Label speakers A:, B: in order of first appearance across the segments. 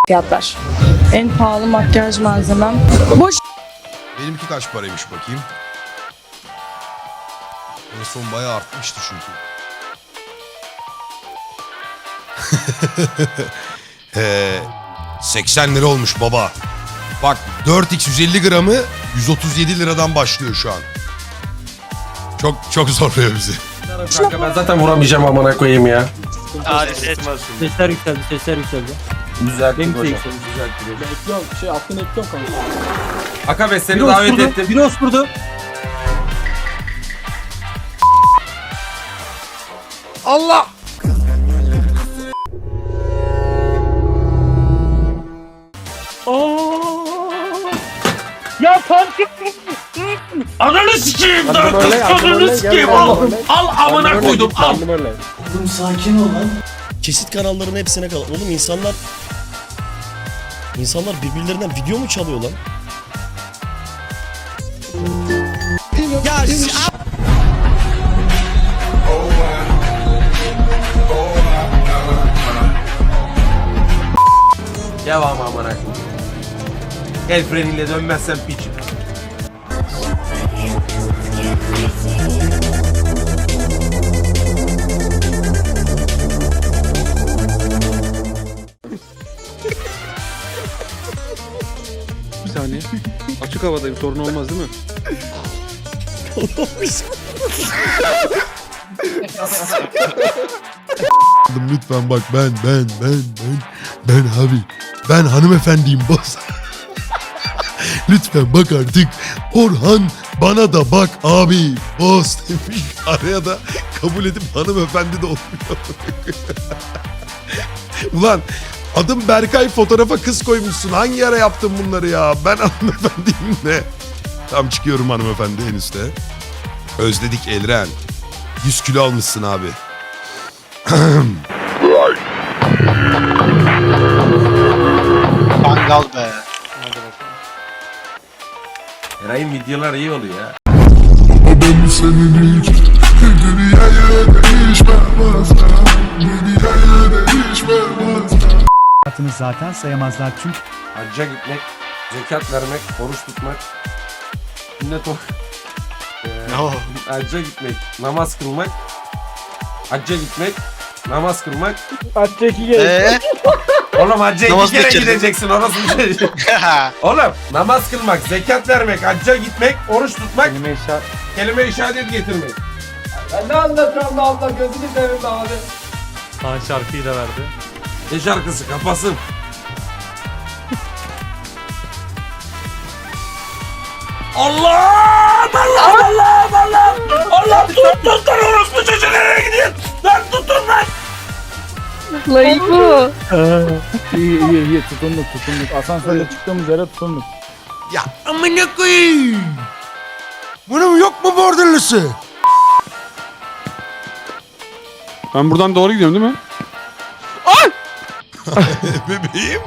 A: Fiyatlar. En pahalı makyaj malzemem. Boş.
B: Benimki kaç paraymış bakayım. En son bayağı artmıştı çünkü. 80 lira olmuş baba. Bak 4x 150 gramı 137 liradan başlıyor şu an. Çok zorluyor bizi.
C: Kanka ben zaten vuramayacağım amına koyayım ya.
D: Hadi ses.
E: Sesler yükseldi, sesler yükseldi.
C: Düzelttim
E: Benim de
C: hocam.
E: yükseldi.
C: Düzelttim.
E: Ekliyorum, aklını ekliyorum kanka.
C: Akabe seni davet ettim.
E: Biri oskurdu.
B: Allah!
E: Ya farkı.
D: Ananı sikeyim
C: Hadi böyle, hadi
D: Ananı
C: böyle,
D: sikeyim
C: gel,
D: al.
C: böyle.
D: Al amına koydum al.
F: Kesit kanalların hepsine kal. Oğlum insanlar birbirlerinden video mu çalıyor lan? Ya
C: Devam amına koyayım. El freniyle dönmezsen piç.
G: Bir saniye. Açık havadayım, sorun olmaz değil mi?
B: Lütfen bak ben abi. Ben hanımefendiyim boss. Lütfen bak artık. Orhan bana da bak abi. Boss demiş. Araya da kabul edip hanımefendi de olmuyor. Ulan adım Berkay, fotoğrafa kız koymuşsun. Hangi ara yaptın bunları ya? Ben hanımefendiyim de. Tam çıkıyorum hanımefendi en üstte. Özledik Elren. 100 kilo almışsın abi.
D: Mangal be.
C: Eray'ın videolar iyi oluyor ya.
H: Hayatını zaten sayamazlar çünkü
C: Hacca gitmek, zekat vermek, oruç tutmak, sünnet hacca gitmek, namaz kılmak, hacca gitmek, namaz kılmak.
E: Hacca 2 kere.
C: Oğlum hacca
D: Namaz
C: 2 kere
D: geçelim.
C: gideceksin orası bir şey. Oğlum namaz kılmak, zekat vermek, hacca gitmek, oruç tutmak, kelime-i şehadet getirmek.
E: Ben ne anlatıyorum da Allah gözünü seveyim abi.
G: Kaan şarkıyı da verdi.
C: Ne şarkısı kapasın.
D: Allah! Allah tutun orospu çocuğu nereye gidiyor? Lan tutun lan!
A: Layık
E: İyi tutunduk. Asansörde çıktığımız yere tutunduk.
B: Ya amına koyayım. Bunun yok mu borderlısı?
G: Ben buradan doğru gidiyorum değil mi?
B: Bebeğim.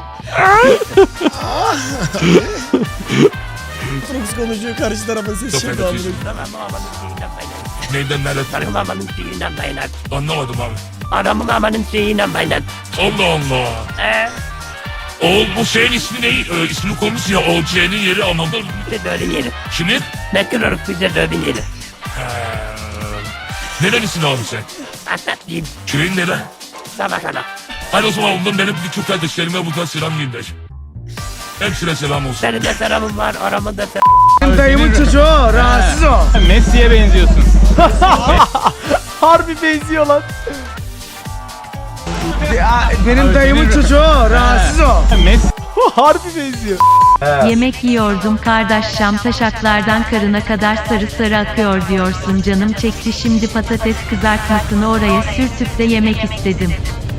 F: Fox konuşuyor, karşı tarafa ses şey kaldı.
D: Neyden nerede? Benim amanın şeyinden baylar. Anlamadım abi. Adamın amanın şeyinden baylar. Allah Allah. Oğul bu şeyin ismi ne? İsmi konusu ya. O C'nin yeri anladın mı?
I: Bize dövün yeri.
D: Kimin?
I: Ne kırarız bize dövün yeri.
D: Nerelisin abi sen?
I: Anlatayım.
D: Köyün nere?
I: Sabahana.
D: Hadi o zaman ondan benim bütün kardeşlerime buradan selam gönder. Hepsine selam olsun.
I: Benim de selamım var. Aramında
E: Dayımın çocuğu rahatsız o.
G: Messi'ye benziyorsun.
E: Harbi benziyor lan. Benim dayımın çocuğu rahatsız o.
G: Messi.
E: Harbi benziyor.
J: Yemek yiyordum kardeş, şam taşaklardan karına kadar sarı sarı akıyor diyorsun, canım çekti şimdi patates kızartmasını oraya sürtüp de yemek istedim.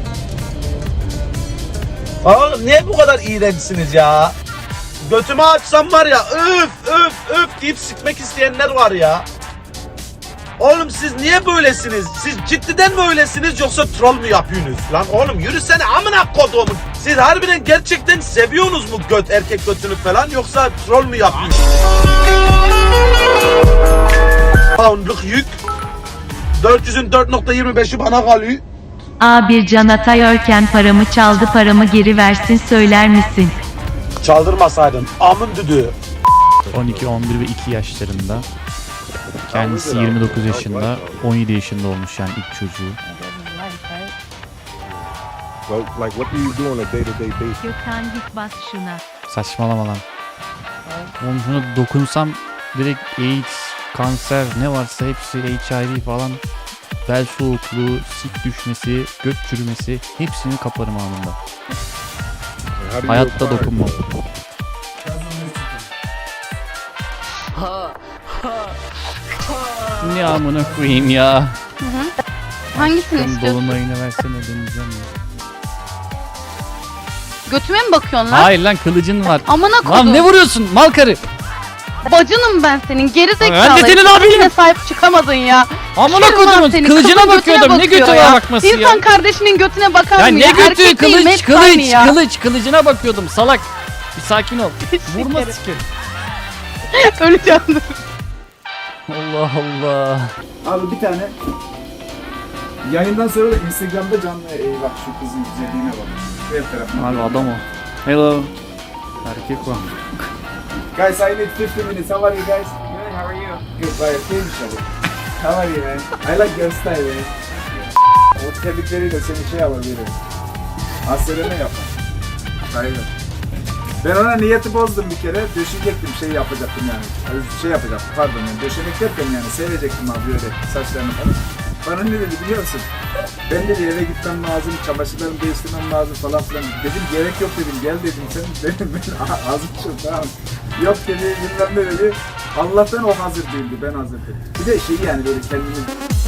K: Oğlum niye bu kadar iğrençsiniz ya? Götümü açsam var ya öf deyip sikmek isteyenler var ya. Oğlum siz niye böylesiniz? Siz ciddiden mi öylesiniz yoksa troll mü yapıyorsunuz? Lan oğlum yürüsene amına koduğumun. Siz harbiden gerçekten seviyorsunuz mu erkek götünü falan yoksa troll mü yapıyorsunuz? Poundluk yük. 400'ün 4.25'i bana kalıyor.
J: A1 Can Atayörken paramı çaldı, paramı geri versin söyler misin?
K: Çaldırmasaydın amın düdüğü.
H: 12, 11 ve 2 yaşlarında. Kendisi 29 yaşında, 17 yaşında olmuş yani ilk çocuğu.
J: Gökhan git bas şuna.
H: Saçmalama lan. Oğlum şuna dokunsam direkt AIDS, kanser ne varsa hepsi, HIV falan, bel soğukluğu, sik düşmesi, göt çürümesi hepsini kaparım anında. Hayatta dokunmam. Ne amına koyayım ya.
A: Hangisini
H: Şunun
A: istiyorsun?
H: dolunayını versene deneyeceğim ya.
A: Götüme mi bakıyorsun lan?
H: Hayır lan, kılıcın var.
A: Amına
H: Lan
A: koydum.
H: ne vuruyorsun mal karı?
A: Bacınım ben senin. Geri zekalı.
H: Ben de senin abinim.
A: Yine sahip çıkamadın ya.
H: Amına
A: Sikerim lan
H: kodumun
A: seni.
H: kılıcına
A: Kızın
H: bakıyordum.
A: götüne
H: Ne götü
A: bakıyor ya.
H: bakması ya?
A: İnsan kardeşinin götüne bakar
H: Ya
A: mı
H: ne
A: ya?
H: götü?
A: Erkek değil,
H: Kılıç,
A: hepsi aynı
H: kılıç,
A: ya.
H: kılıç. Kılıcına bakıyordum salak. Bir sakin ol. Vurma sikerim.
A: Öleceğim.
H: Allah Allah.
E: Abi bir tane yayından sonra da Instagram'da canlı bak şu kızın güzelliğine bak. Ver tarafına.
H: Abi adam o. Hello. Erkek o.
E: Guys, I need 50 minutes. How are you guys? Good, how are you? Good, gayet iyi bir şey. How are you man? I like your style man. O tebrikleriyle seni şey yapabilirim. Hasseleme yapar. Aynen. Ben ona niyeti bozdum bir kere. Döşeyecektim, şey yapacaktım yani. Şey yapacaktım, pardon yani. Döşemek derken yani sevecektim abi böyle saçlarını falan. Bana ne dedi biliyor musun? Ben dedi eve gitmem lazım, çamaşırlarımı değiştirmem lazım falan filan. Dedim gerek yok dedim, gel dedim sen. Ben azıcık tamam. Yok dedi, bilmem ne dedi. Allah'tan o hazır değildi, ben hazır dedim. Bir de şey yani böyle kendini